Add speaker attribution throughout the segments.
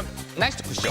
Speaker 1: 시간 나이스 쿠쇼.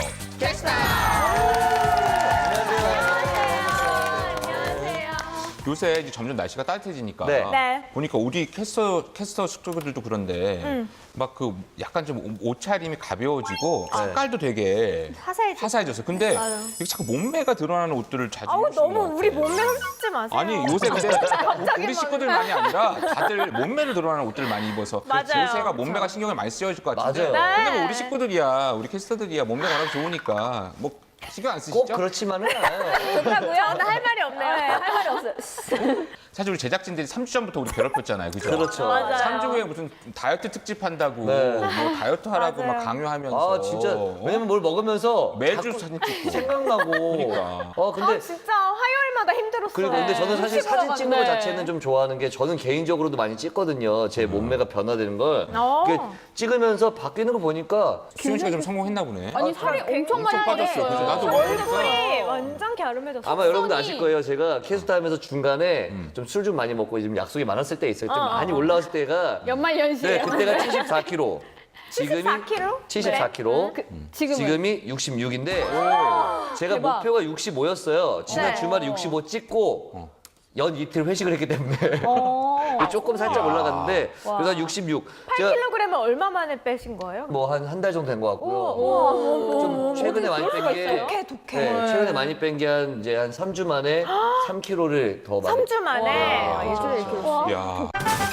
Speaker 1: 요새 이제 점점 날씨가 따뜻해지니까
Speaker 2: 네.
Speaker 3: 네.
Speaker 1: 보니까 우리 캐스터 숙소들도 그런데 막 그 약간 좀 옷차림이 가벼워지고 색깔도 되게 화사해졌어요. 근데
Speaker 3: 맞아요.
Speaker 1: 이게 자꾸 몸매가 드러나는 옷들을 자주
Speaker 3: 아우
Speaker 1: 입으시는 것
Speaker 3: 너무 우리
Speaker 1: 같아요.
Speaker 3: 몸매 훔치지 마세요.
Speaker 1: 아니 요새 근데 우리 식구들만이 아니라 다들 몸매를 드러나는 옷들을 많이 입어서
Speaker 3: 맞아요.
Speaker 1: 요새가 몸매가 신경을 많이 쓰여질 것 같은데
Speaker 2: 맞아요.
Speaker 1: 근데 뭐
Speaker 3: 네.
Speaker 1: 우리 식구들이야 우리 캐스터들이야 몸매가 워낙 좋으니까 뭐 신경 안 쓰시죠?
Speaker 2: 꼭 그렇지만은 않아요.
Speaker 3: 좋다고요? 저는 할 말이 없네요.
Speaker 4: 네, 할 말이 없어요.
Speaker 1: 사실 우리 제작진들이 3주 전부터 우리 괴롭혔잖아요. 그죠?
Speaker 2: 그렇죠.
Speaker 3: 맞아요.
Speaker 1: 3주 후에 무슨 다이어트 특집 한다고
Speaker 2: 네.
Speaker 1: 뭐 다이어트 하라고
Speaker 3: 맞아요.
Speaker 1: 막 강요하면서
Speaker 2: 아 진짜 왜냐면 뭘 먹으면서
Speaker 1: 매주
Speaker 2: 자꾸
Speaker 1: 사진 찍고
Speaker 2: 생각나고.
Speaker 1: 그러니까.
Speaker 2: 근데
Speaker 3: 아 진짜 화요일마다 힘들었어요.
Speaker 2: 그리고 근데 저는 사실
Speaker 4: 음식
Speaker 2: 사진
Speaker 4: 보러
Speaker 2: 찍는 거
Speaker 4: 갔는데.
Speaker 2: 자체는 좀 좋아하는 게 저는 개인적으로도 많이 찍거든요. 제 몸매가 변화되는 걸. 그게 찍으면서 바뀌는 거 보니까
Speaker 1: 수윤 씨가 좀 성공했나 보네.
Speaker 4: 아니 살이 엄청 많이
Speaker 1: 엄청 빠졌어요. 그죠? 나도
Speaker 3: 얼굴이 완전 갸름해졌어.
Speaker 2: 아마 여러분들 아실 거예요. 제가 캐스트 하면서 중간에 좀 술 좀 많이 먹고 지금 약속이 많았을 때 있어요. 좀 많이 올라왔을 때가
Speaker 4: 연말연시에.
Speaker 2: 네, 그때가 74kg. 지금이
Speaker 3: 74kg?
Speaker 2: 74kg.
Speaker 4: 지금은
Speaker 2: 지금이 66인데 제가
Speaker 4: 대박.
Speaker 2: 목표가 65였어요. 지난
Speaker 3: 네.
Speaker 2: 주말에 65 찍고 연 이틀 회식을 했기 때문에 조금 살짝 올라갔는데 그래서 66. 제가
Speaker 3: 8kg은 얼마 만에 빼신 거예요?
Speaker 2: 뭐 한 달 정도 된 것 같고요. 좀 최근에 많이 뺀 게
Speaker 3: 독해.
Speaker 2: 네, 최근에 많이 뺀 게 한 이제 한 3주 만에 3kg를 더 많이
Speaker 3: 3주 만에.
Speaker 4: 와, 일주일에 이렇게.
Speaker 1: 야.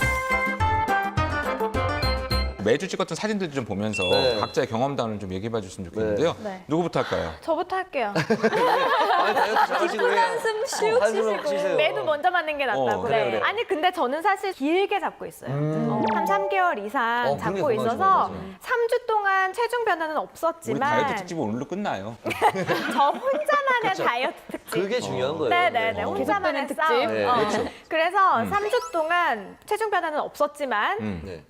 Speaker 1: 매주 찍었던 사진들 좀 보면서
Speaker 2: 네.
Speaker 1: 각자의 경험담을 좀 얘기해 줬으면 좋겠는데요.
Speaker 3: 네.
Speaker 1: 누구부터 할까요?
Speaker 3: 저부터 할게요.
Speaker 2: 아니 다이어트 잘하시고 왜
Speaker 4: 한숨 슉
Speaker 2: 한숨
Speaker 4: 쉬시고.
Speaker 2: 쉬세요.
Speaker 3: 매도 먼저 맞는 게 낫다고.
Speaker 2: 그래, 그래.
Speaker 3: 아니 근데 저는 사실 길게 잡고 있어요. 한 3개월 이상
Speaker 2: 그런 게
Speaker 3: 잡고
Speaker 2: 건강하신
Speaker 3: 있어서
Speaker 2: 거죠.
Speaker 3: 3주 동안 체중 변화는
Speaker 1: 우리
Speaker 3: 없었지만
Speaker 1: 다이어트 특집은 오늘로 끝나요.
Speaker 3: 저 혼자만의 다이어트 특집.
Speaker 2: 그게 중요한 거예요.
Speaker 3: 네네네. 혼자만의
Speaker 4: 계속되는
Speaker 3: 싸움.
Speaker 4: 특집.
Speaker 2: 네, 그렇죠.
Speaker 3: 그래서 3주 동안 체중 변화는 없었지만
Speaker 2: 네.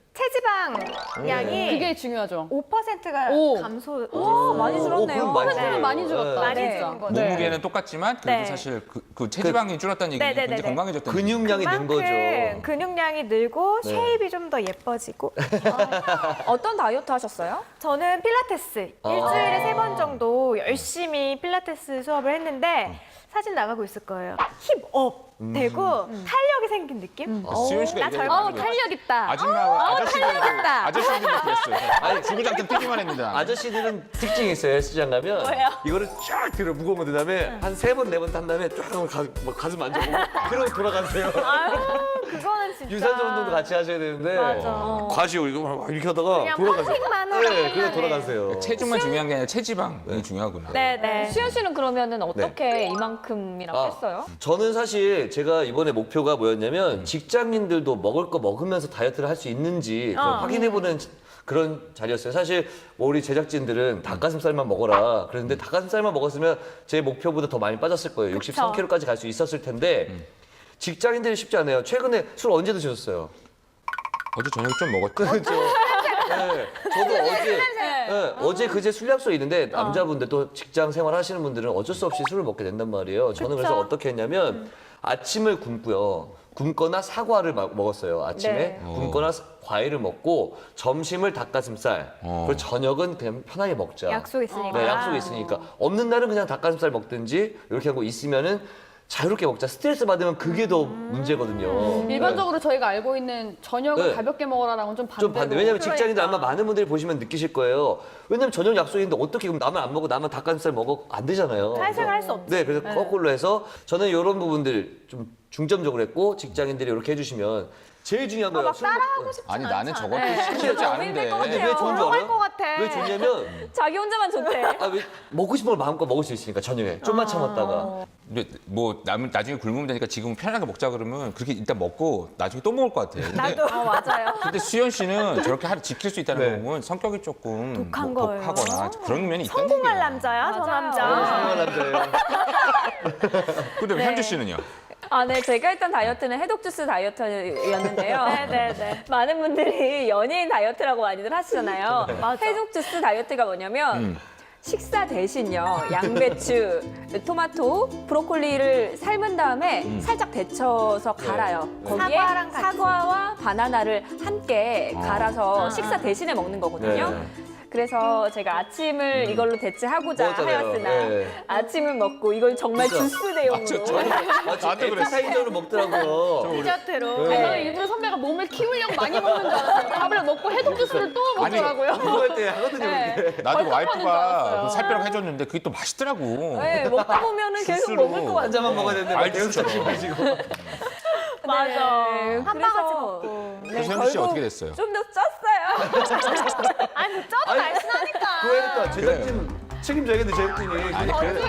Speaker 3: 체지방량이
Speaker 4: 그게 중요하죠.
Speaker 3: 5%가
Speaker 4: 오.
Speaker 3: 감소됐어요.
Speaker 4: 많이 줄었네요.
Speaker 2: 그럼 많이
Speaker 4: 는
Speaker 2: 줄어요.
Speaker 4: 많이 줄었다.
Speaker 3: 많이
Speaker 4: 네.
Speaker 3: 줄은 거죠.
Speaker 1: 몸무게는 똑같지만 그래도
Speaker 3: 네.
Speaker 1: 사실 그 체지방이 줄었다는 얘기는
Speaker 3: 네네네네.
Speaker 1: 굉장히 건강해졌다는 얘기죠.
Speaker 2: 근육량이 는 거죠.
Speaker 3: 근육량이 늘고
Speaker 2: 네.
Speaker 3: 쉐입이 좀 더 예뻐지고.
Speaker 4: 어떤 다이어트 하셨어요?
Speaker 3: 저는 필라테스 일주일에 3번 정도 열심히 필라테스 수업을 했는데 사진 나가고 있을 거예요. 힙업 되고 탄력이 생긴 느낌?
Speaker 1: 수윤 씨가
Speaker 3: 나
Speaker 1: 얘기하는
Speaker 3: 젊어.
Speaker 1: 거
Speaker 4: 탄력 있다.
Speaker 1: 아저씨들도 그랬어요. 아니 지구장점 뛰기만 했는데.
Speaker 2: 아저씨들은 특징이 있어요. 헬스장 가면 이거를 쫙 들어 무거운 거 다음에 한 3번, 4번 탄 다음에 쫙 가슴 만져보고 그러고 돌아가세요.
Speaker 3: 아유, 그거는 진짜.
Speaker 2: 유산소 운동도 같이 하셔야 되는데
Speaker 3: 맞아.
Speaker 2: 과시요 이거 막 이렇게 하다가
Speaker 3: 그냥
Speaker 2: 돌아가세요.
Speaker 3: 펌핑만 하고
Speaker 2: 네, 그냥
Speaker 3: 끝나네.
Speaker 2: 돌아가세요.
Speaker 1: 체중만 중요한 게 아니라 체지방이 중요하구나.
Speaker 3: 네네.
Speaker 4: 수현 씨는 그러면은 어떻게 이만큼이라고 했어요?
Speaker 2: 저는 사실 제가 이번에 목표가 뭐였냐면 직장인들도 먹을 거 먹으면서 다이어트를 할 수 있는지 그걸 확인해보는 그런 자리였어요. 사실 뭐 우리 제작진들은 닭가슴살만 먹어라 그랬는데 닭가슴살만 먹었으면 제 목표보다 더 많이 빠졌을 거예요. 63kg까지 갈 수 있었을 텐데 직장인들이 쉽지 않아요. 최근에 술 언제 드셨어요?
Speaker 1: 어제 저녁에 좀 먹었죠.
Speaker 2: 그렇죠. 네, 저도 어제 그제 술 약속이 있는데 남자분들 또 직장 생활 하시는 분들은 어쩔 수 없이 술을 먹게 된단 말이에요. 저는 그래서 어떻게 했냐면 아침을 굶고요. 굶거나 사과를 먹었어요. 아침에
Speaker 3: 네.
Speaker 2: 굶거나 과일을 먹고 점심을 닭가슴살 그리고 저녁은 그냥 편하게 먹자.
Speaker 3: 약속 있으니까.
Speaker 2: 네, 약속이 있으니까. 없는 날은 그냥 닭가슴살 먹든지 이렇게 하고 있으면은 자유롭게 먹자. 스트레스 받으면 그게 더 문제거든요.
Speaker 4: 일반적으로 저희가 알고 있는 저녁을
Speaker 2: 네.
Speaker 4: 가볍게 먹으라랑은 좀 반대로.
Speaker 2: 좀 반대. 왜냐면 직장인들
Speaker 3: 그러니까.
Speaker 2: 아마 많은 분들이 보시면 느끼실 거예요. 왜냐면 저녁 약속이 있는데 어떻게 그럼 나만 안 먹고 나만 닭가슴살 먹어? 안 되잖아요.
Speaker 3: 사회생활 할 수 없지.
Speaker 2: 네, 그래서 거꾸로 해서 저는 이런 부분들 좀 중점적으로 했고 직장인들이 이렇게 해주시면 제일 중요한 거예요.
Speaker 3: 막 따라하고 싶지
Speaker 1: 아니
Speaker 3: 않잖아.
Speaker 1: 나는 저것도 쉽지 않은데.
Speaker 2: 근데 왜 좋은 줄
Speaker 3: 할
Speaker 2: 알아요?
Speaker 3: 것 같아.
Speaker 2: 왜 좋냐면
Speaker 4: 자기 혼자만 좋대.
Speaker 2: 왜 먹고 싶은 걸 마음껏 먹을 수 있으니까 저녁에 좀만 참았다가
Speaker 1: 근데 뭐 나중에 굶으면 되니까 지금 편하게 먹자 그러면 그렇게 일단 먹고 나중에 또 먹을 것 같아. 근데,
Speaker 4: 맞아요.
Speaker 1: 근데 수현 씨는 저렇게 하루 지킬 수 있다는
Speaker 2: 네.
Speaker 1: 거 보면 성격이 조금
Speaker 3: 독한
Speaker 1: 뭐
Speaker 3: 거예요.
Speaker 1: 독하거나 그런 면이 있다는
Speaker 3: 성공할
Speaker 1: 얘기예요.
Speaker 3: 남자야, 저
Speaker 4: 맞아요.
Speaker 3: 남자.
Speaker 2: 성공한 남자예요.
Speaker 1: 근데 현주 씨는요?
Speaker 5: 아, 네. 제가 했던 다이어트는 해독주스 다이어트였는데요.
Speaker 3: 네네네.
Speaker 5: 많은 분들이 연예인 다이어트라고 많이들 하시잖아요.
Speaker 3: 맞아.
Speaker 5: 해독주스 다이어트가 뭐냐면 식사 대신요. 양배추, 토마토, 브로콜리를 삶은 다음에 살짝 데쳐서 갈아요. 거기에
Speaker 3: 사과랑 같이.
Speaker 5: 사과와 바나나를 함께 갈아서 식사 대신에 먹는 거거든요.
Speaker 2: 네.
Speaker 5: 그래서 제가 아침을 이걸로 대체하고자
Speaker 2: 먹었잖아요.
Speaker 5: 하였으나
Speaker 2: 네.
Speaker 5: 아침을 먹고 이걸 정말
Speaker 2: 진짜.
Speaker 5: 주스 대용으로
Speaker 1: 나도 그랬어.
Speaker 2: 사이저로 먹더라고요.
Speaker 3: 디저트로.
Speaker 2: 네.
Speaker 4: 저는 일부러 선배가 몸을 키우려고 많이 먹는 줄 알았어요. 밥을 먹고 해독 주스를 또
Speaker 1: 아니,
Speaker 4: 먹더라고요.
Speaker 2: 공부할 때 하거든요.
Speaker 4: 네.
Speaker 2: 그렇게.
Speaker 1: 나도
Speaker 4: 벌떡 하는 줄
Speaker 1: 와이프가
Speaker 4: 알았어요.
Speaker 1: 그 살 빼라고 해줬는데 그게 또 맛있더라고.
Speaker 5: 네, 먹다 보면은 계속
Speaker 1: 주스로.
Speaker 5: 먹을 것
Speaker 2: 한
Speaker 5: 같아요.
Speaker 2: 잔만 먹어야 되는데 막
Speaker 1: 알지,
Speaker 2: 계속
Speaker 1: 진짜.
Speaker 2: 마시고.
Speaker 3: 맞아.
Speaker 5: 네,
Speaker 3: 한
Speaker 5: 그래서-
Speaker 3: 바가지 먹고.
Speaker 1: 그래서 현주 씨 어떻게 됐어요?
Speaker 5: 좀 더 쪘어요.
Speaker 3: 아니 쪄도 날씬하니까.
Speaker 2: 그러니까 제작진 책임져야겠는데 제작진이.
Speaker 1: 아니 그래.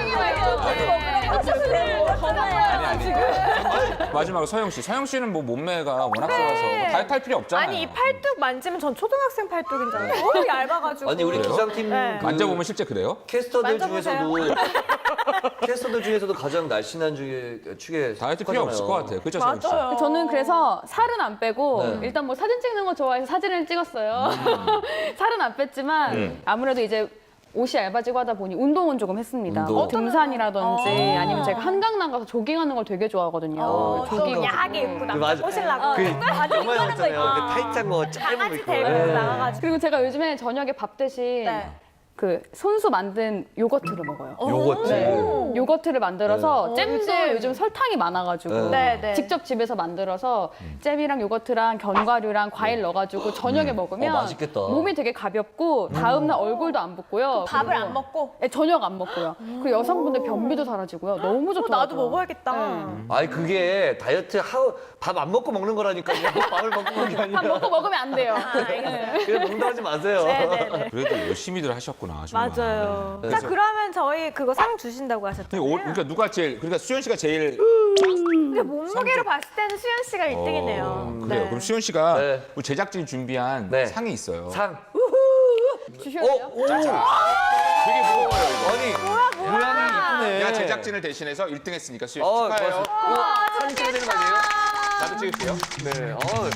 Speaker 1: 마지막으로 서영 씨. 서영 씨는 뭐 몸매가 워낙 좋아서 뭐 다이어트 할 필요 없잖아요.
Speaker 3: 아니 이 팔뚝 만지면 전 초등학생 팔뚝인 줄 알아요. 너무 얇아가지고.
Speaker 2: 아니 우리
Speaker 1: 그래요?
Speaker 2: 기상팀
Speaker 3: 네.
Speaker 2: 그
Speaker 1: 만져보면 실제 그래요?
Speaker 2: 캐스터들
Speaker 3: 만져보세요.
Speaker 2: 중에서도 가장 날씬한 축에
Speaker 1: 다이어트 필요 없을 것 같아요. 그죠, 서영 씨?
Speaker 3: 맞아요.
Speaker 4: 저는 그래서 살은 안 빼고
Speaker 2: 네.
Speaker 4: 일단 뭐 사진 찍는 거 좋아해서 사진을 찍었어요. 살은 안 뺐지만 아무래도 이제 옷이 얇아지고 하다 보니 운동은 조금 했습니다.
Speaker 2: 운동.
Speaker 4: 뭐 등산이라든지 아니면 제가 한강 나가서 조깅하는 걸 되게 좋아하거든요.
Speaker 3: 좀
Speaker 4: 조깅.
Speaker 3: 야하게 입고
Speaker 2: 맞아.
Speaker 3: 남자 꼬시려고.
Speaker 2: 그 영화 영화잖아요. 그 타이트한 거 짧은 거
Speaker 3: 강아지
Speaker 2: 입고.
Speaker 3: 데리고
Speaker 2: 네.
Speaker 3: 나가가지고.
Speaker 4: 그리고 제가 요즘에 저녁에 밥 대신
Speaker 3: 네.
Speaker 4: 그 손수 만든 요거트를 먹어요.
Speaker 2: 요거트.
Speaker 4: 네. 요거트를 만들어서 잼도
Speaker 3: 요즘.
Speaker 4: 요즘 설탕이 많아가지고
Speaker 3: 네, 네.
Speaker 4: 직접 집에서 만들어서 잼이랑 요거트랑 견과류랑 과일 넣어가지고 저녁에 먹으면
Speaker 2: 맛있겠다.
Speaker 4: 몸이 되게 가볍고 다음날 얼굴도 안 붓고요.
Speaker 3: 밥을
Speaker 4: 그리고-
Speaker 3: 안 먹고.
Speaker 4: 네, 저녁 안 먹고요. 그리고 여성분들 변비도 사라지고요. 너무 좋더라고요.
Speaker 3: 나도 먹어야겠다.
Speaker 2: 아니 그게 다이어트 밥 안 먹고 먹는 거라니까요. 밥을 먹고 먹는 게 아니라.
Speaker 4: 밥 먹고 먹으면 안 돼요.
Speaker 2: 그냥 농담하지 마세요.
Speaker 3: 네네네.
Speaker 1: 그래도 열심히들 하셨구나, 정말.
Speaker 3: 맞아요.
Speaker 2: 네.
Speaker 3: 자 그러면 저희 그거 상 주신다고
Speaker 1: 근데
Speaker 3: 하셨잖아요.
Speaker 1: 그러니까 누가 제일, 그러니까 수현 씨가 제일
Speaker 3: 근데 몸무게로 봤을 때는 수현 씨가 1등이네요.
Speaker 1: 그래요. 그럼 수현 씨가
Speaker 2: 네.
Speaker 1: 우리 제작진이 준비한
Speaker 2: 네.
Speaker 1: 상이 있어요.
Speaker 2: 상.
Speaker 4: 주셔야 돼요?
Speaker 1: 되게 무거워요, 이거.
Speaker 2: 아니 모양이 이쁘네.
Speaker 1: 내가 제작진을 대신해서 1등 했으니까 수현 씨
Speaker 2: 어,
Speaker 1: 축하해요.
Speaker 2: 고맙습니다. 사진 찍어야 되는 거 아니에요?
Speaker 1: 나도 찍을게요.
Speaker 2: 네.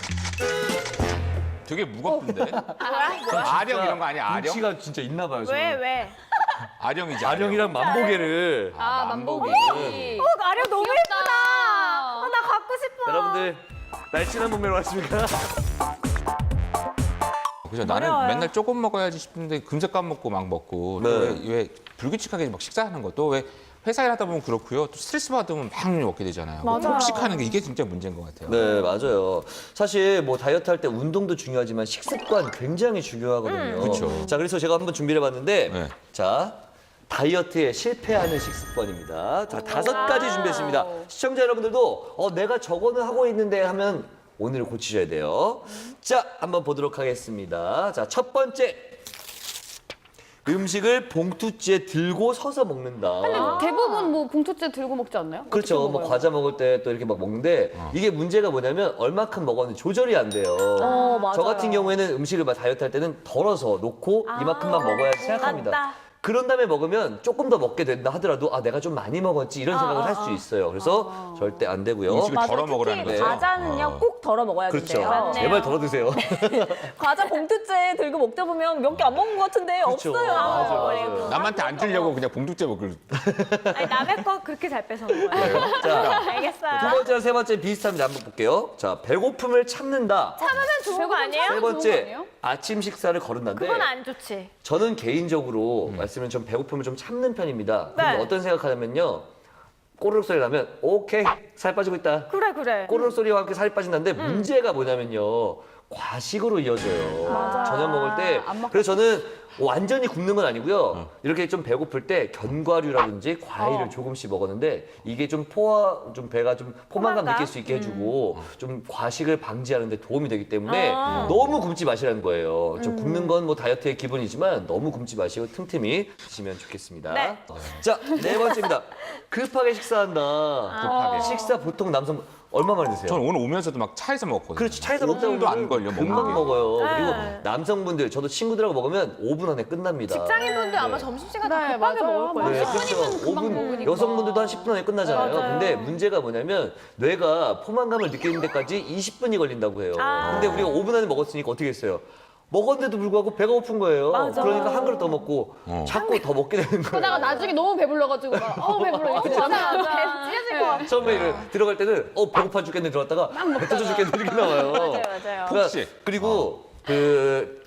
Speaker 1: 되게 무겁던데. 아령 이런 거 아니야? 아령?
Speaker 2: 눈치가 진짜 있나 봐요.
Speaker 3: 왜 왜?
Speaker 1: 아령이지.
Speaker 2: 아령이랑 만보계를.
Speaker 4: 아, 만보기.
Speaker 3: 아령 너무 예쁘다. 나 갖고 싶어.
Speaker 2: 여러분들 날씬한 몸매로 왔습니까?
Speaker 1: 그죠. 나는
Speaker 3: 어려워요.
Speaker 1: 맨날 조금 먹어야지 싶은데 금세 까먹고 막 먹고 또
Speaker 2: 네.
Speaker 1: 왜 불규칙하게 막 식사하는 것도 왜 회사 일하다 보면 그렇고요. 또 스트레스 받으면 막 먹게 되잖아요. 폭식하는 게 이게 진짜 문제인 것 같아요.
Speaker 2: 네, 맞아요. 사실 뭐 다이어트 할 때 운동도 중요하지만 식습관 굉장히 중요하거든요.
Speaker 1: 그쵸.
Speaker 2: 자, 그래서 제가 한번 준비를 해봤는데,
Speaker 1: 네.
Speaker 2: 자, 다이어트에 실패하는 식습관입니다. 자, 5가지 준비했습니다. 시청자 여러분들도 내가 저거는 하고 있는데 하면 오늘 고치셔야 돼요. 자, 한번 보도록 하겠습니다. 자, 첫 번째. 음식을 봉투째에 들고 서서 먹는다.
Speaker 4: 근데 대부분 뭐 봉투째 들고 먹지 않나요?
Speaker 2: 그렇죠.
Speaker 4: 어떻게
Speaker 2: 뭐
Speaker 4: 먹어요?
Speaker 2: 과자 먹을 때 또 이렇게 막 먹는데 이게 문제가 뭐냐면 얼마큼 먹었는지 조절이 안 돼요.
Speaker 5: 맞아요.
Speaker 2: 저 같은 경우에는 음식을 막 다이어트 할 때는 덜어서 놓고 이만큼만 먹어야 생각합니다.
Speaker 3: 맞다.
Speaker 2: 그런 다음에 먹으면 조금 더 먹게 된다 하더라도 내가 좀 많이 먹었지 이런 생각을 할 수 있어요. 그래서 절대 안 되고요.
Speaker 1: 음식을
Speaker 5: 맞아요.
Speaker 1: 덜어 먹으라는
Speaker 5: 특히
Speaker 1: 거죠.
Speaker 5: 과자는요 꼭 덜어 먹어야
Speaker 2: 그렇죠.
Speaker 5: 된대요.
Speaker 3: 맞네요.
Speaker 2: 제발 덜어 드세요.
Speaker 5: 과자 봉투째 들고 먹다 보면 몇 개 안 먹은 것 같은데
Speaker 2: 그렇죠.
Speaker 5: 없어요.
Speaker 2: 맞아, 맞아.
Speaker 1: 남한테 안 주려고 그냥 봉둑째 먹을.
Speaker 3: 아니 남의 거 그렇게 잘 뺏어 먹어요.
Speaker 2: 자, 두
Speaker 3: 알겠어요.
Speaker 2: 번째랑 세 번째 비슷합니다. 한번 볼게요. 자, 배고픔을 참는다.
Speaker 3: 참으면 좋은 거 아니에요?
Speaker 2: 세
Speaker 4: 좋은 거
Speaker 2: 번째,
Speaker 4: 아니에요?
Speaker 2: 아침 식사를 거른다인데
Speaker 3: 그건 안 좋지.
Speaker 2: 저는 개인적으로 말씀을 좀 배고픔을 좀 참는 편입니다. 근데
Speaker 3: 네.
Speaker 2: 어떤 생각하냐면요. 꼬르륵 소리 나면 오케이 살 빠지고 있다.
Speaker 3: 그래.
Speaker 2: 꼬르륵 소리와 함께 살이 빠진다는데 문제가 뭐냐면요. 과식으로 이어져요. 저녁 먹을 때.
Speaker 4: 안 먹고
Speaker 2: 그래서 저는 완전히 굶는 건 아니고요. 이렇게 좀 배고플 때 견과류라든지 과일을 조금씩 먹었는데 이게 좀 배가 좀 포만감
Speaker 3: 포만감?
Speaker 2: 느낄 수 있게 해주고 좀 과식을 방지하는 데 도움이 되기 때문에 너무 굶지 마시라는 거예요. 좀 굶는 건 뭐 다이어트의 기본이지만 너무 굶지 마시고 틈틈이 드시면 좋겠습니다.
Speaker 3: 네.
Speaker 2: 자, 네 번째입니다. 급하게 식사한다.
Speaker 1: 급하게.
Speaker 2: 식사 보통 남성 얼마 만에 드세요?
Speaker 1: 저는 오늘 오면서도 막 차에서 먹었거든요.
Speaker 2: 그렇지, 차에서 먹다
Speaker 1: 5분도 안 걸려.
Speaker 2: 금방
Speaker 1: 먹는 게.
Speaker 2: 먹어요.
Speaker 3: 네.
Speaker 2: 그리고 남성분들, 저도 친구들하고 먹으면 5분 안에 끝납니다.
Speaker 3: 직장인분들 아마 점심시간 다
Speaker 4: 네,
Speaker 3: 급하게
Speaker 4: 맞아요.
Speaker 3: 먹을 거예요.
Speaker 2: 네,
Speaker 4: 맞아요.
Speaker 2: 그렇죠.
Speaker 4: 시간이면 금방
Speaker 2: 5분,
Speaker 4: 먹으니까.
Speaker 2: 여성분들도 한 10분 안에 끝나잖아요.
Speaker 3: 맞아요.
Speaker 2: 근데 문제가 뭐냐면 뇌가 포만감을 느끼는 데까지 20분이 걸린다고 해요.
Speaker 3: 아.
Speaker 2: 근데 우리가 5분 안에 먹었으니까 어떻게 했어요? 먹었는데도 불구하고 배가 고픈 거예요.
Speaker 3: 맞아.
Speaker 2: 그러니까 한 그릇 더 먹고 자꾸 더 먹게 되는 거예요.
Speaker 4: 그러다가 나중에 너무 배불러가지고 막 배불러 이렇게 되잖아요.
Speaker 3: 찢어질 것 같아.
Speaker 2: 처음에 들어갈 때는 배고파 죽겠네 들어왔다가 배 터져 죽겠네 이렇게 나와요.
Speaker 5: 맞아요.
Speaker 2: 그러니까
Speaker 1: 폭식.
Speaker 2: 그리고 그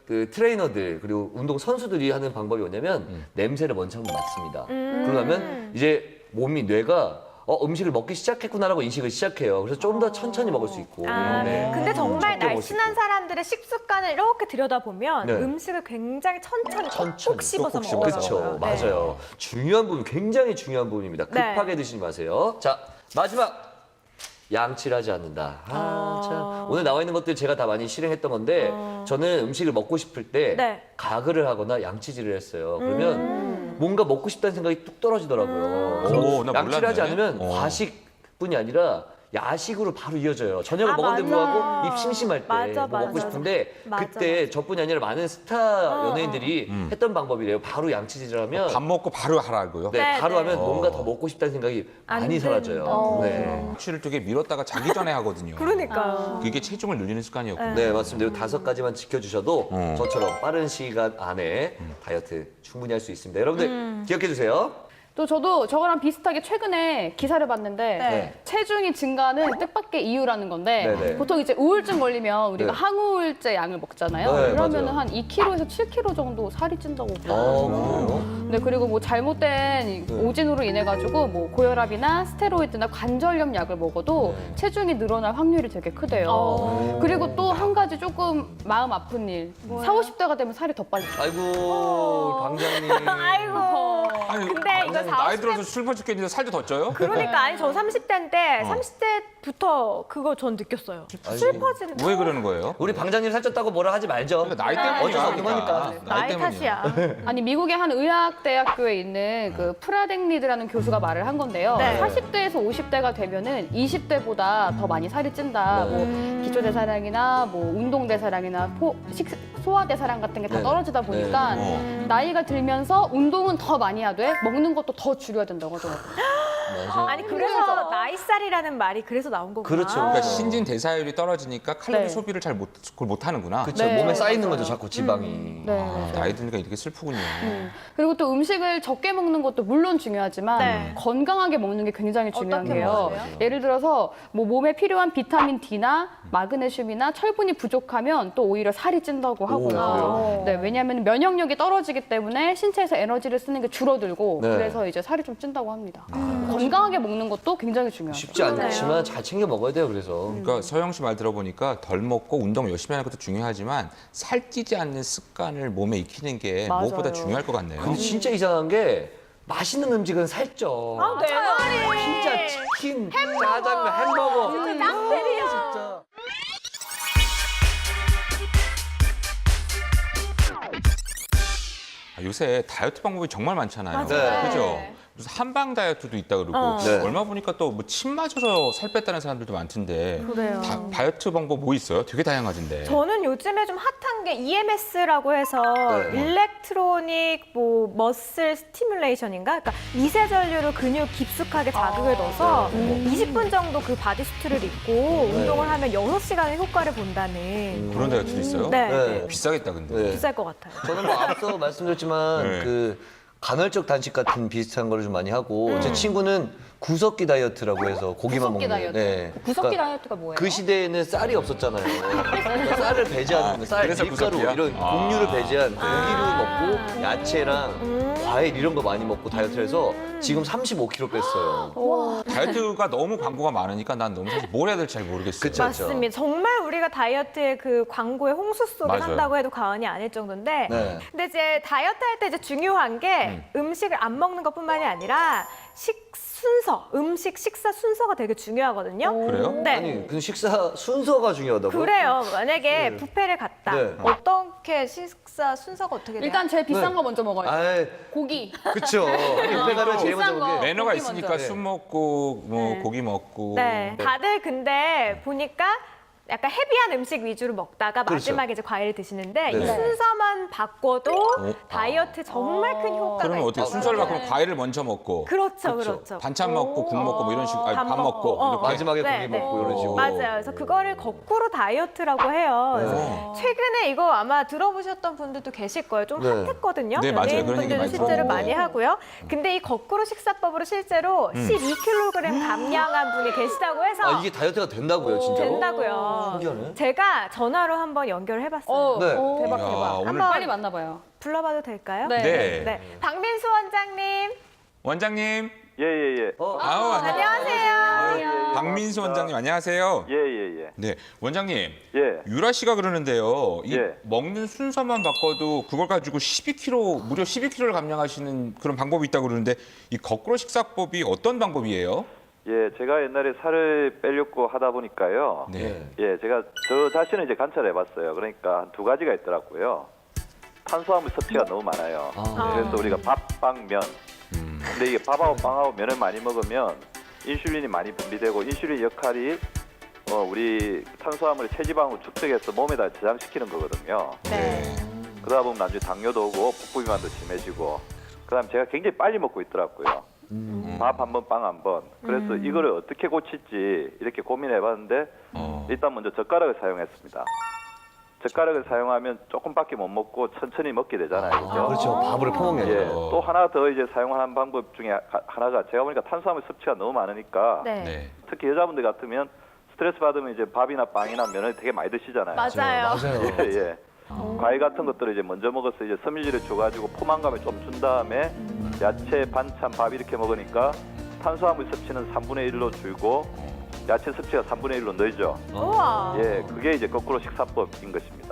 Speaker 2: 그 트레이너들 그리고 운동 선수들이 하는 방법이 뭐냐면 냄새를 먼저 한번 맡습니다. 그러면 이제 몸이 뇌가 음식을 먹기 시작했구나라고 인식을 시작해요. 그래서 좀 더 천천히 먹을 수 있고. 네.
Speaker 3: 근데 정말
Speaker 2: 적게 먹을 수
Speaker 3: 날씬한
Speaker 2: 있고.
Speaker 3: 사람들의 식습관을 이렇게 들여다보면
Speaker 2: 네.
Speaker 3: 음식을 굉장히 천천히 꼭 씹어서
Speaker 1: 꼭꼭
Speaker 3: 먹어요.
Speaker 2: 그렇죠. 맞아요. 중요한 부분, 굉장히 중요한 부분입니다.
Speaker 3: 네.
Speaker 2: 급하게 드시지 마세요. 자, 마지막. 양치를 하지 않는다. 참. 오늘 나와 있는 것들 제가 다 많이 실행했던 건데 저는 음식을 먹고 싶을 때
Speaker 3: 네.
Speaker 2: 가글을 하거나 양치질을 했어요. 그러면 뭔가 먹고 싶다는 생각이 뚝 떨어지더라고요.
Speaker 1: 오, 나
Speaker 2: 양치를 하지
Speaker 1: 몰랐네.
Speaker 2: 않으면 과식뿐이 아니라 야식으로 바로 이어져요. 저녁을
Speaker 3: 아,
Speaker 2: 먹었는데
Speaker 3: 맞아.
Speaker 2: 불구하고 입 심심할 때
Speaker 3: 맞아,
Speaker 2: 뭐 먹고
Speaker 3: 맞아.
Speaker 2: 싶은데
Speaker 3: 맞아,
Speaker 2: 그때 저뿐이 아니라 많은 스타 연예인들이 했던 방법이래요. 바로 양치질을 하면
Speaker 1: 밥 먹고 바로 하라고요.
Speaker 2: 네,
Speaker 3: 네,
Speaker 2: 바로
Speaker 3: 네.
Speaker 2: 하면 뭔가 더 먹고 싶다는 생각이
Speaker 3: 안
Speaker 2: 많이 사라져요. 네.
Speaker 1: 치를 되게 밀었다가 자기 전에 하거든요.
Speaker 3: 그러니까요.
Speaker 1: 그게 체중을 늘리는 습관이었고.
Speaker 2: 네, 맞습니다. 이 5가지만 지켜주셔도 저처럼 빠른 시간 안에 다이어트 충분히 할 수 있습니다. 여러분들 기억해 주세요.
Speaker 4: 또 저도 저거랑 비슷하게 최근에 기사를 봤는데
Speaker 3: 네.
Speaker 4: 체중이 증가하는 뜻밖의 이유라는 건데
Speaker 2: 네네.
Speaker 4: 보통 이제 우울증 걸리면 우리가
Speaker 2: 네.
Speaker 4: 항우울제 약을 먹잖아요.
Speaker 2: 네,
Speaker 4: 그러면
Speaker 2: 맞아요.
Speaker 4: 한 2kg에서 7kg 정도 살이 찐다고
Speaker 2: 아,
Speaker 4: 그러더라고요.
Speaker 2: 그래요?
Speaker 4: 네, 그리고 뭐 잘못된 이 오진으로 인해 가지고 뭐 고혈압이나 스테로이드나 관절염 약을 먹어도 체중이 늘어날 확률이 되게 크대요. 그리고 또 한 가지 조금 마음 아픈 일. 40, 50대가 되면 살이 더 빨리 쪄요.
Speaker 2: 아이고, 방장님.
Speaker 3: 아이고.
Speaker 1: 아니,
Speaker 3: 근데 이거
Speaker 1: 나이
Speaker 3: 40대
Speaker 1: 들어서 슬퍼 죽겠는데 살도 더 쪄요?
Speaker 3: 그러니까 아니 저 30대인데 30대부터 그거 전 느꼈어요. 슬퍼지는
Speaker 1: 왜 그러는 거예요?
Speaker 2: 우리 방장님 살쪘다고 뭐라 하지 말죠.
Speaker 1: 그러니까 나이 때문이야.
Speaker 2: 어쩔 수 없는 거니까.
Speaker 3: 나이 탓이야.
Speaker 4: 아니 미국의 한 의학대학교에 있는 그 프라댕리드라는 교수가 말을 한 건데요.
Speaker 3: 네.
Speaker 4: 40대에서 50대가 되면은 20대보다 더 많이 살이 찐다. 뭐 기초대사량이나 뭐 운동대사량이나 소화대사량 같은 게 다
Speaker 2: 네.
Speaker 4: 떨어지다 보니까
Speaker 1: 네.
Speaker 4: 나이가 들면서 운동은 더 많이 하되 먹는 것도 더 줄여야 된다고 하더라고요.
Speaker 3: 아니 그래서 나이살이라는 말이 그래서 나온 거구나.
Speaker 2: 그렇죠.
Speaker 1: 그러니까 신진 대사율이 떨어지니까 칼로리
Speaker 4: 네.
Speaker 1: 소비를 그걸 못 하는구나.
Speaker 2: 그렇죠.
Speaker 4: 네,
Speaker 2: 몸에 쌓이는
Speaker 4: 맞아요.
Speaker 2: 거죠, 자꾸 지방이.
Speaker 4: 네.
Speaker 1: 아, 나이 드니까 이렇게 슬프군요.
Speaker 4: 그리고 또 음식을 적게 먹는 것도 물론 중요하지만
Speaker 3: 네.
Speaker 4: 건강하게 먹는 게 굉장히 중요한
Speaker 3: 어떻게
Speaker 4: 게요.
Speaker 3: 먹어요?
Speaker 4: 예를 들어서 뭐 몸에 필요한 비타민 D나 마그네슘이나 철분이 부족하면 또 오히려 살이 찐다고 하고요. 네, 왜냐하면 면역력이 떨어지기 때문에 신체에서 에너지를 쓰는 게 줄어들고
Speaker 2: 네.
Speaker 4: 그래서 이제 살이 좀 찐다고 합니다. 건강하게 먹는 것도 굉장히 중요하죠.
Speaker 2: 쉽지 않지만 잘 챙겨 먹어야 돼요, 그래서.
Speaker 1: 그러니까 서영 씨 말 들어보니까 덜 먹고 운동 열심히 하는 것도 중요하지만 살찌지 않는 습관을 몸에 익히는 게
Speaker 4: 맞아요.
Speaker 1: 무엇보다 중요할 것 같네요.
Speaker 2: 근데 진짜 이상한 게 맛있는 음식은 살쪄.
Speaker 3: 아, 내 말이.
Speaker 2: 진짜 치킨, 짜장면, 햄버거.
Speaker 3: 진짜 짱들이야.
Speaker 2: 진짜.
Speaker 1: 요새 다이어트 방법이 정말 많잖아요.
Speaker 2: 맞아요.
Speaker 1: 그죠? 무슨 한방 다이어트도 있다 그러고
Speaker 2: 네.
Speaker 1: 얼마 보니까 또 뭐 침 맞아서 살 뺐다는 사람들도 많던데
Speaker 3: 그래요.
Speaker 1: 다이어트 방법 뭐 있어요? 되게 다양하던데.
Speaker 3: 저는 요즘에 좀 핫한 게 EMS라고 해서
Speaker 2: 네.
Speaker 3: 일렉트로닉 뭐 머슬 스티뮬레이션인가? 그러니까 미세 전류로 근육 깊숙하게 자극을 넣어서 20분 정도 그 바디수트를 입고 운동을 하면 6시간의 효과를 본다는.
Speaker 1: 그런 다이어트도 있어요?
Speaker 3: 네.
Speaker 2: 네.
Speaker 1: 비싸겠다 근데.
Speaker 2: 네.
Speaker 3: 비쌀 것 같아요.
Speaker 2: 저는 뭐 앞서 말씀드렸지만
Speaker 1: 네.
Speaker 2: 그 간헐적 단식 같은 비슷한 거를 좀 많이 하고 제 친구는 구석기 다이어트라고 해서 고기만
Speaker 4: 구석기
Speaker 2: 먹는.
Speaker 4: 다이어트.
Speaker 2: 네.
Speaker 5: 구석기
Speaker 2: 그러니까
Speaker 5: 다이어트가 뭐예요?
Speaker 2: 그 시대에는 쌀이 없었잖아요. 그러니까 쌀을 배제하는 거예요. 쌀,
Speaker 1: 그래서
Speaker 2: 밀가루
Speaker 1: 구석기야?
Speaker 2: 이런 곡류를 배제한 고기를 먹고 야채랑 과일 이런 거 많이 먹고 다이어트를 해서 지금 35kg 뺐어요.
Speaker 1: 다이어트가 너무 광고가 많으니까 난 너무 사실 뭘 해야 될지 잘 모르겠어요.
Speaker 2: 그쵸.
Speaker 3: 맞습니다. 정말 우리가 다이어트의 그 광고의 홍수 속에
Speaker 1: 맞아요.
Speaker 3: 산다고 해도 과언이 아닐 정도인데
Speaker 2: 네.
Speaker 3: 근데 이제 다이어트 할 때 이제 중요한 게 음식을 안 먹는 것뿐만이 아니라 음식 식사 순서가 되게 중요하거든요.
Speaker 1: 그래요?
Speaker 3: 네.
Speaker 2: 아니 그 식사 순서가 중요하다고요?
Speaker 3: 그래요. 만약에 뷔페를 갔다.
Speaker 2: 네.
Speaker 3: 어떻게 식사 순서가 어떻게 돼요?
Speaker 4: 일단 제일 비싼
Speaker 2: 네.
Speaker 4: 거 먼저 먹어요.
Speaker 2: 아이,
Speaker 4: 고기.
Speaker 2: 그쵸. 옆에 가면 제일 먼저
Speaker 4: 비싼 거.
Speaker 2: 먹는 게
Speaker 1: 매너가
Speaker 4: 고기
Speaker 1: 있으니까
Speaker 4: 먼저.
Speaker 1: 술 먹고 뭐
Speaker 3: 네.
Speaker 1: 고기 먹고.
Speaker 3: 네. 다들 근데 보니까 약간 헤비한 음식 위주로 먹다가
Speaker 2: 그렇죠.
Speaker 3: 마지막에 이제 과일을 드시는데 이
Speaker 2: 네.
Speaker 3: 순서만 바꿔도 다이어트에 정말 큰 효과가
Speaker 1: 그러면 어떻게
Speaker 3: 있어요.
Speaker 1: 순서를 바꾸면 과일을 먼저 먹고
Speaker 3: 그렇죠, 그렇죠.
Speaker 1: 반찬 먹고 국 먹고 뭐 이런 식으로 아니,
Speaker 3: 밥
Speaker 1: 밥 먹고
Speaker 3: 먹고,
Speaker 1: 이렇게.
Speaker 2: 마지막에
Speaker 3: 네,
Speaker 2: 고기
Speaker 3: 네.
Speaker 2: 먹고 이런 식으로.
Speaker 3: 맞아요. 그래서 그거를 거꾸로 다이어트라고 해요. 그래서 최근에 이거 아마 들어보셨던 분들도 계실 거예요. 좀
Speaker 2: 네.
Speaker 3: 핫했거든요.
Speaker 1: 네, 맞아요. 그런 얘기
Speaker 3: 연예인분들도
Speaker 1: 많이
Speaker 3: 실제로
Speaker 1: 들었는데.
Speaker 3: 많이 하고요. 근데 이 거꾸로 식사법으로 실제로 12kg 감량한 분이 계시다고 해서
Speaker 2: 아 이게 다이어트가 된다고요, 진짜로?
Speaker 3: 된다고요.
Speaker 2: 신기하네.
Speaker 3: 제가 전화로 한번 연결을 해봤어요.
Speaker 2: 네.
Speaker 4: 대박
Speaker 1: 이야,
Speaker 4: 대박.
Speaker 1: 오늘
Speaker 3: 한번
Speaker 4: 빨리 만나봐요.
Speaker 3: 불러봐도 될까요?
Speaker 4: 네.
Speaker 1: 네.
Speaker 3: 박민수 원장님.
Speaker 1: 원장님.
Speaker 6: 예예예.
Speaker 1: 아우,
Speaker 3: 안녕하세요.
Speaker 1: 박민수 원장님 안녕하세요.
Speaker 6: 예예예.
Speaker 1: 네, 원장님.
Speaker 6: 예.
Speaker 1: 유라 씨가 그러는데요. 이
Speaker 6: 예.
Speaker 1: 먹는 순서만 바꿔도 그걸 가지고 12kg, 무려 12kg를 감량하시는 그런 방법이 있다고 그러는데 이 거꾸로 식사법이 어떤 방법이에요?
Speaker 6: 예, 제가 옛날에 살을 빼려고 하다 보니까요.
Speaker 1: 네.
Speaker 6: 예, 제가 저 자신을 이제 관찰해봤어요. 그러니까 한 두 가지가 있더라고요. 탄수화물 섭취가 너무 많아요. 그래서 우리가 밥, 빵, 면. 근데 이게 밥하고 빵하고 면을 많이 먹으면 인슐린이 많이 분비되고 인슐린 역할이 우리 탄수화물을 체지방으로 축적해서 몸에다 저장시키는 거거든요.
Speaker 3: 네.
Speaker 6: 그러다 보면 나중에 당뇨도 오고 복부비만도 심해지고 그다음 제가 굉장히 빨리 먹고 있더라고요. 밥 한 번, 빵 한 번. 그래서 이거를 어떻게 고칠지 이렇게 고민해봤는데 일단 먼저 젓가락을 사용했습니다. 젓가락을 사용하면 조금밖에 못 먹고 천천히 먹게 되잖아요. 그죠?
Speaker 2: 그렇죠. 밥으로 퍼먹는
Speaker 6: 예.
Speaker 2: 거.
Speaker 6: 또 하나 더 이제 사용하는 방법 중에 하나가 제가 보니까 탄수화물 섭취가 너무 많으니까
Speaker 3: 네.
Speaker 1: 네.
Speaker 6: 특히 여자분들 같으면 스트레스 받으면 이제 밥이나 빵이나 면을 되게 많이 드시잖아요.
Speaker 3: 맞아요.
Speaker 2: 맞아요.
Speaker 6: 예, 예. 과일 같은 것들을 이제 먼저 먹어서 이제 섬유질을 줘가지고 포만감을 좀 준 다음에 야채, 반찬, 밥 이렇게 먹으니까 탄수화물 섭취는 3분의 1로 줄고 야채 섭취가 3분의 1로 늘죠.
Speaker 3: 우와.
Speaker 6: 예, 그게 이제 거꾸로 식사법인 것입니다.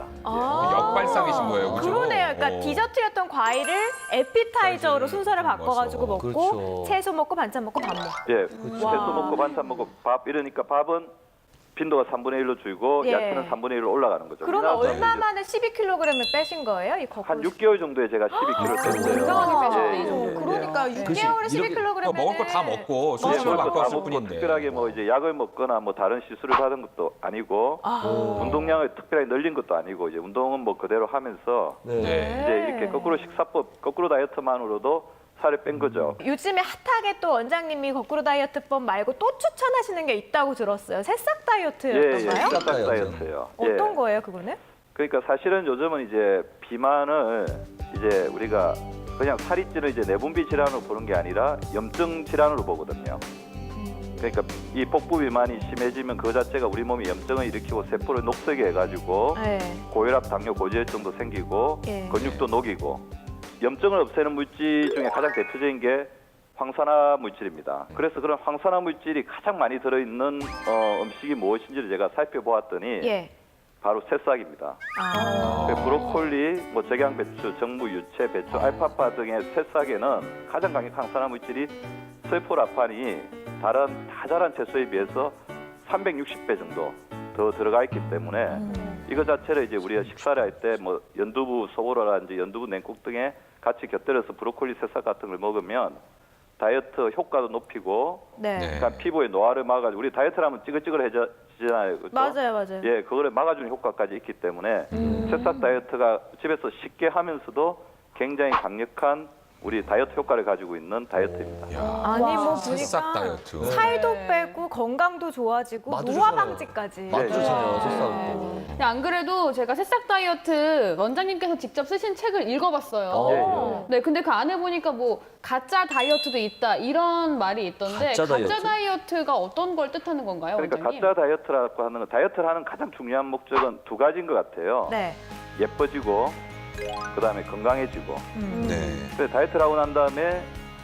Speaker 1: 역발상이신 거예요, 그죠?
Speaker 3: 그러네요. 그러니까 디저트였던 과일을 에피타이저로 순서를 바꿔가지고
Speaker 1: 맞아.
Speaker 3: 먹고
Speaker 2: 그렇죠.
Speaker 3: 채소 먹고 반찬 먹고 밥 먹고.
Speaker 6: 예, 채소 먹고 반찬 먹고 밥 이러니까 밥은 빈도가 3분의 1로 줄고
Speaker 3: 예.
Speaker 6: 야채는 3분의 1로 올라가는 거죠.
Speaker 3: 그러면
Speaker 6: 그래서
Speaker 3: 얼마
Speaker 6: 이제
Speaker 3: 만에 12kg을 빼신 거예요? 이 거꾸로.
Speaker 6: 한 6개월 정도에 제가 12kg 뺐어요.
Speaker 4: 건강하게 빼셨네, 이
Speaker 6: 예,
Speaker 4: 정도.
Speaker 6: 예, 예.
Speaker 3: 그러니까 6개월에 12kg.
Speaker 1: 그러니까 먹을 거 다 먹고
Speaker 6: 예,
Speaker 1: 순서를
Speaker 6: 먹을 거다
Speaker 1: 바꿨을
Speaker 6: 먹고
Speaker 1: 뿐인데.
Speaker 6: 특별하게 뭐 이제 약을 먹거나 뭐 다른 시술을 받은 것도 아니고 운동량을 특별하게 늘린 것도 아니고 이제 운동은 뭐 그대로 하면서
Speaker 2: 네.
Speaker 1: 네.
Speaker 6: 이제 이렇게 거꾸로 식사법, 거꾸로 다이어트만으로도 살을 뺀 거죠.
Speaker 3: 요즘에 핫하게 또 원장님이 거꾸로 다이어트법 말고 또 추천하시는 게 있다고 들었어요. 새싹
Speaker 6: 예, 예,
Speaker 3: 다이어트였던가요?
Speaker 6: 식사
Speaker 2: 다이어트.
Speaker 6: 다이어트예요.
Speaker 3: 어떤
Speaker 6: 예.
Speaker 3: 거예요, 그거는?
Speaker 6: 그러니까 사실은 요즘은 이제 비만을 이제 우리가 그냥 살이 찌는 이제 내분비 질환으로 보는 게 아니라 염증 질환으로 보거든요. 그러니까 이 복부 비만이 심해지면 그 자체가 우리 몸이 염증을 일으키고 세포를 녹슬게 해가지고
Speaker 3: 네.
Speaker 6: 고혈압, 당뇨, 고지혈증도 생기고
Speaker 3: 예.
Speaker 6: 근육도 녹이고 염증을 없애는 물질 중에 가장 대표적인 게 황산화 물질입니다. 그래서 그런 황산화 물질이 가장 많이 들어있는 음식이 무엇인지를 제가 살펴보았더니
Speaker 3: 예.
Speaker 6: 바로 새싹입니다.
Speaker 3: 아.
Speaker 6: 브로콜리, 뭐 적양배추, 정무, 유채, 배추, 알파파 등의 새싹에는 가장 강력한 황산화 물질이 설포라판이 다른 다 자란 채소에 비해서 360배 정도 더 들어가 있기 때문에 이거 자체를 이제 우리가 식사를 할 때 뭐 연두부 소보로라든지 연두부 냉국 등에 같이 곁들여서 브로콜리 새싹 같은 걸 먹으면 다이어트 효과도 높이고
Speaker 3: 네.
Speaker 1: 네.
Speaker 6: 그러니까 피부에 노화를 막아주고 우리 다이어트를 하면 찌글찌글해지잖아요. 그렇죠?
Speaker 3: 맞아요.
Speaker 6: 예, 그거를 막아주는 효과까지 있기 때문에 새싹 다이어트가 집에서 쉽게 하면서도 굉장히 강력한 우리 다이어트 효과를 가지고 있는 다이어트입니다.
Speaker 3: 아니 뭐
Speaker 1: 새싹
Speaker 3: 보니까
Speaker 1: 다이어트.
Speaker 3: 살도 빼고 건강도 좋아지고
Speaker 2: 맛도
Speaker 3: 노화
Speaker 2: 좋잖아요.
Speaker 3: 방지까지.
Speaker 2: 맛도 좋잖아요,
Speaker 6: 네.
Speaker 2: 새싹도.
Speaker 4: 근데 안 그래도 제가 새싹 다이어트 원장님께서 직접 쓰신 책을 읽어봤어요.
Speaker 6: 예,
Speaker 4: 네, 근데 그 안에 보니까 뭐 가짜 다이어트도 있다 이런 말이 있던데
Speaker 2: 가짜 다이어트?
Speaker 4: 다이어트가 어떤 걸 뜻하는 건가요,
Speaker 6: 그러니까
Speaker 4: 원장님?
Speaker 6: 가짜 다이어트라고 하는 건 다이어트를 하는 가장 중요한 목적은 두 가지인 것 같아요.
Speaker 3: 네.
Speaker 6: 예뻐지고 그다음에 건강해지고.
Speaker 1: 네.
Speaker 6: 그래서 다이어트를 하고 난 다음에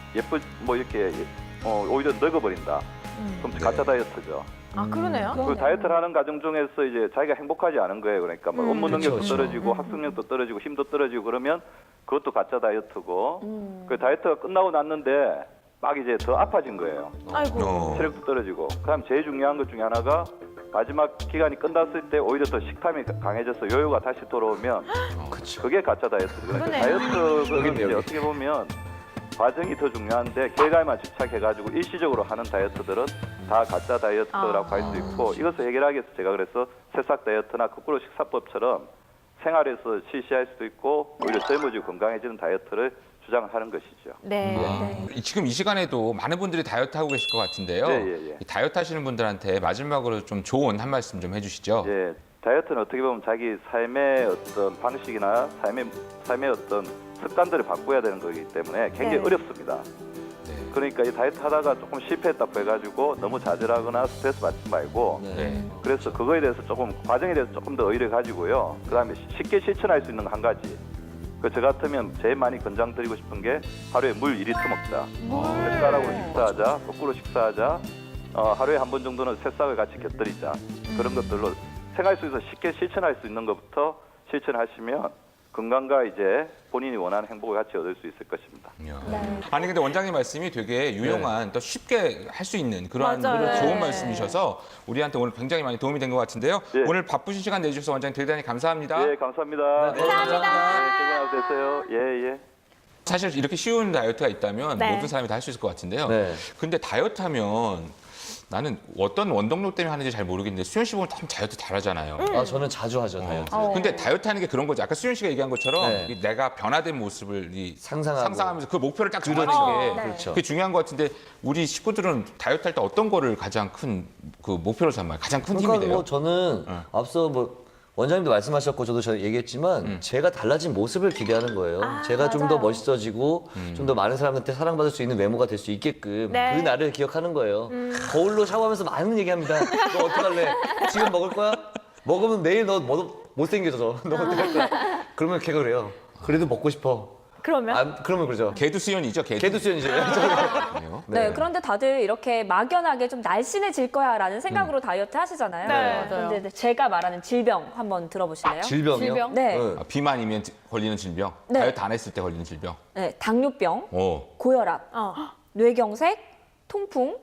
Speaker 6: 뭐 이렇게 오히려 늙어버린다. 그럼 가짜 다이어트죠.
Speaker 3: 아 그러네요.
Speaker 6: 그 다이어트를 하는 과정 중에서 이제 자기가 행복하지 않은 거예요. 그러니까 뭐 업무 능력도
Speaker 2: 그렇죠.
Speaker 6: 떨어지고 학습력도 떨어지고 힘도 떨어지고 그러면 그것도 가짜 다이어트고 그 다이어트가 끝나고 났는데 막 이제 더 아파진 거예요.
Speaker 3: 아이고.
Speaker 6: 체력도 떨어지고. 그다음 제일 중요한 것 중에 하나가 마지막 기간이 끝났을 때 오히려 더 식탐이 강해져서 요요가 다시 돌아오면 그게 가짜 다이어트. 그러니까
Speaker 3: 그러네.
Speaker 6: 다이어트는 이제
Speaker 2: 여기.
Speaker 6: 어떻게 보면 과정이 더 중요한데 결과에만 집착해가지고 일시적으로 하는 다이어트들은 다 가짜 다이어트라고 할 수 있고 이것을 해결하기 위해서 제가 그래서 새싹 다이어트나 거꾸로 식사법처럼 생활에서 실시할 수도 있고 오히려 젊어지고 건강해지는 다이어트를 주장하는 것이죠.
Speaker 3: 네.
Speaker 1: 지금 이 시간에도 많은 분들이 다이어트 하고 계실 것 같은데요.
Speaker 6: 예.
Speaker 1: 이 다이어트 하시는 분들한테 마지막으로 좀 좋은 한 말씀 좀 해주시죠.
Speaker 6: 예, 다이어트는 어떻게 보면 자기 삶의 어떤 방식이나 삶의 어떤 습관들을 바꿔야 되는 거기 때문에 굉장히
Speaker 3: 네.
Speaker 6: 어렵습니다. 그러니까 이 다이어트 하다가 조금 실패했다고 해가지고 너무 좌절하거나 스트레스 받지 말고
Speaker 1: 네.
Speaker 6: 그래서 그거에 대해서 조금 과정에 대해서 조금 더 의의를 가지고요. 그다음에 쉽게 실천할 수 있는 거 한 가지. 저 같으면 제일 많이 권장드리고 싶은 게 하루에 물 2리터 먹자. 햇살하고 식사하자. 거꾸로 식사하자. 하루에 한 번 정도는 새싹을 같이 곁들이자. 그런 것들로 생활 속에서 쉽게 실천할 수 있는 것부터 실천하시면 건강과 이제 본인이 원하는 행복을 같이 얻을 수 있을 것입니다.
Speaker 1: 아니 근데 원장님 말씀이 되게 유용한 또 쉽게 할 수 있는 그러한
Speaker 3: 맞아요.
Speaker 1: 좋은
Speaker 3: 네.
Speaker 1: 말씀이셔서 우리한테 오늘 굉장히 많이 도움이 된 것 같은데요.
Speaker 6: 예.
Speaker 1: 오늘 바쁘신 시간 내주셔서 원장님 대단히 감사합니다.
Speaker 6: 예, 감사합니다.
Speaker 3: 감사합니다.
Speaker 6: 즐거운 하루 되세요. 예, 예.
Speaker 1: 사실 이렇게 쉬운 다이어트가 있다면
Speaker 3: 네.
Speaker 1: 모든 사람이 다 할 수 있을 것 같은데요.
Speaker 2: 네.
Speaker 1: 근데 다이어트 하면 나는 어떤 원동력 때문에 하는지 잘 모르겠는데 수현 씨 보면 참 다이어트 잘하잖아요.
Speaker 2: 아, 저는 자주 하죠, 다이어트.
Speaker 1: 근데 다이어트 하는 게 그런 거죠. 아까 수현 씨가 얘기한 것처럼
Speaker 2: 네.
Speaker 1: 이 내가 변화된 모습을
Speaker 2: 상상하고.
Speaker 1: 상상하면서 그 목표를 딱 정하는 게
Speaker 2: 그렇죠.
Speaker 1: 그게 중요한 것 같은데 우리 식구들은 다이어트 할 때 어떤 거를 가장 큰 그 목표로 삼아요? 가장 큰 힘이
Speaker 2: 그러니까
Speaker 1: 돼요?
Speaker 2: 뭐 저는 앞서 뭐 원장님도 말씀하셨고 저도 얘기했지만 제가 달라진 모습을 기대하는 거예요. 제가 좀 더 멋있어지고 좀 더 많은 사람한테 사랑받을 수 있는 외모가 될 수 있게끔
Speaker 3: 네.
Speaker 2: 그 날을 기억하는 거예요. 거울로 샤워하면서 많은 얘기합니다. 너 어떡할래? 지금 먹을 거야? 먹으면 내일 너 못생겨져. 너 어떡할 거야? 그러면 걔가 그래요. 그래도 먹고 싶어.
Speaker 3: 그러면
Speaker 2: 그러면 그러죠.
Speaker 1: 개도 수연이죠, 개도.
Speaker 2: 걔도 수연이죠.
Speaker 1: 그래요?
Speaker 5: 네. 그런데 다들 이렇게 막연하게 좀 날씬해질 거야라는 생각으로 다이어트 하시잖아요.
Speaker 3: 네.
Speaker 5: 그런데 이제 제가 말하는 질병 한번 들어보실래요?
Speaker 2: 질병이요?
Speaker 4: 질병?
Speaker 5: 네.
Speaker 1: 아, 비만이면 걸리는 질병,
Speaker 5: 네.
Speaker 1: 다이어트 안 했을 때 걸리는 질병.
Speaker 5: 네, 당뇨병,
Speaker 1: 오.
Speaker 5: 고혈압, 뇌경색, 통풍,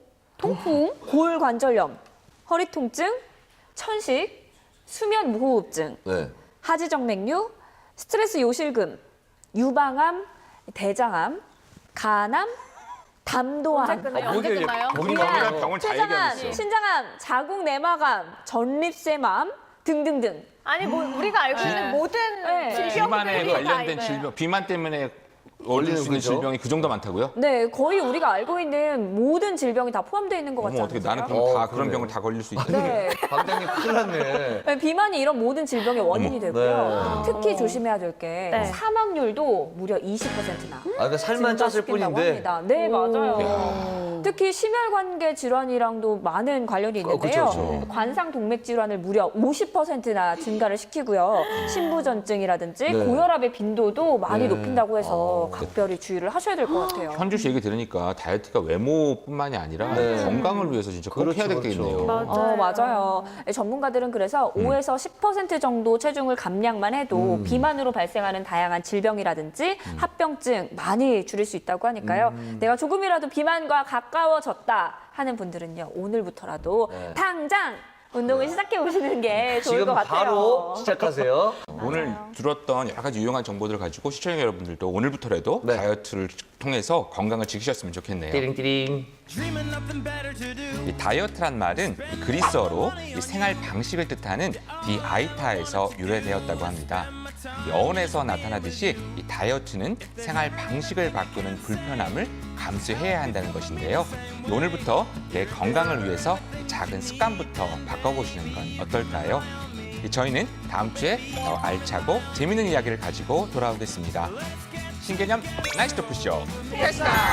Speaker 5: 골관절염, 허리 통증, 천식, 수면 무호흡증,
Speaker 2: 네.
Speaker 5: 하지정맥류, 스트레스 요실금, 유방암, 대장암, 간암, 담도암,
Speaker 4: 언제 끝나요?
Speaker 1: 병이란 병을 다 얘기하고
Speaker 5: 췌장암,
Speaker 1: 있어.
Speaker 5: 신장암, 자궁 내막암, 전립腺암 등등등.
Speaker 3: 아니 뭐 우리가 알고 있는 모든
Speaker 5: 네.
Speaker 1: 비만에
Speaker 3: 질병들이 다
Speaker 1: 관련된
Speaker 3: 있어요.
Speaker 1: 질병, 비만 때문에 걸릴 수 있는
Speaker 2: 거죠?
Speaker 1: 질병이 그 정도 많다고요?
Speaker 5: 네, 거의 우리가 알고 있는 모든 질병이 다 포함되어 있는 것 같지
Speaker 1: 어머
Speaker 5: 않으세요?
Speaker 1: 어떻게 나는 그럼 다 그런
Speaker 2: 그러네요.
Speaker 1: 병을 다 걸릴 수 있다.
Speaker 5: 네.
Speaker 2: 방장님 큰일 났네.
Speaker 5: 네, 비만이 이런 모든 질병의 원인이 되고요.
Speaker 2: 네.
Speaker 5: 특히 조심해야 될 게
Speaker 3: 네.
Speaker 5: 사망률도 무려 20%나
Speaker 2: 그러니까 살만 쪘을
Speaker 5: 증가시킨다고
Speaker 2: 뿐인데.
Speaker 5: 합니다. 네, 맞아요. 특히 심혈관계 질환이랑도 많은 관련이 있는데요.
Speaker 2: 그렇죠.
Speaker 5: 관상 동맥 질환을 무려 50%나 증가를 시키고요. 신부전증이라든지
Speaker 2: 네.
Speaker 5: 고혈압의 빈도도 많이
Speaker 2: 네.
Speaker 5: 높인다고 해서 각별히 주의를 하셔야 될 것 같아요.
Speaker 1: 현주 씨 얘기 들으니까 다이어트가 외모뿐만이 아니라
Speaker 2: 네.
Speaker 1: 건강을 위해서 진짜 꼭 해야
Speaker 2: 그렇죠,
Speaker 1: 되겠네요.
Speaker 2: 그렇죠.
Speaker 5: 맞아요. 전문가들은 그래서 5에서 10% 정도 체중을 감량만 해도 비만으로 발생하는 다양한 질병이라든지 합병증 많이 줄일 수 있다고 하니까요. 내가 조금이라도 비만과 가까워졌다 하는 분들은요. 오늘부터라도
Speaker 2: 네.
Speaker 5: 당장 운동을 시작해 보시는 게 좋을
Speaker 2: 지금
Speaker 5: 것 같아요.
Speaker 2: 바로 시작하세요.
Speaker 1: 오늘 들었던 여러 가지 유용한 정보들을 가지고 시청자 여러분들도 오늘부터라도
Speaker 2: 네.
Speaker 1: 다이어트를 통해서 건강을 지키셨으면 좋겠네요.
Speaker 2: 띠링띠링.
Speaker 1: 이 다이어트란 말은 이 그리스어로 이 생활 방식을 뜻하는 디아이타에서 유래되었다고 합니다. 이 어원에서 나타나듯이 이 다이어트는 생활 방식을 바꾸는 불편함을 감수해야 한다는 것인데요. 오늘부터 내 건강을 위해서 이 작은 습관부터 바꿔보시는 건 어떨까요? 저희는 다음 주에 더 알차고 재밌는 이야기를 가지고 돌아오겠습니다. 신개념 나이스 토크쇼 테스타!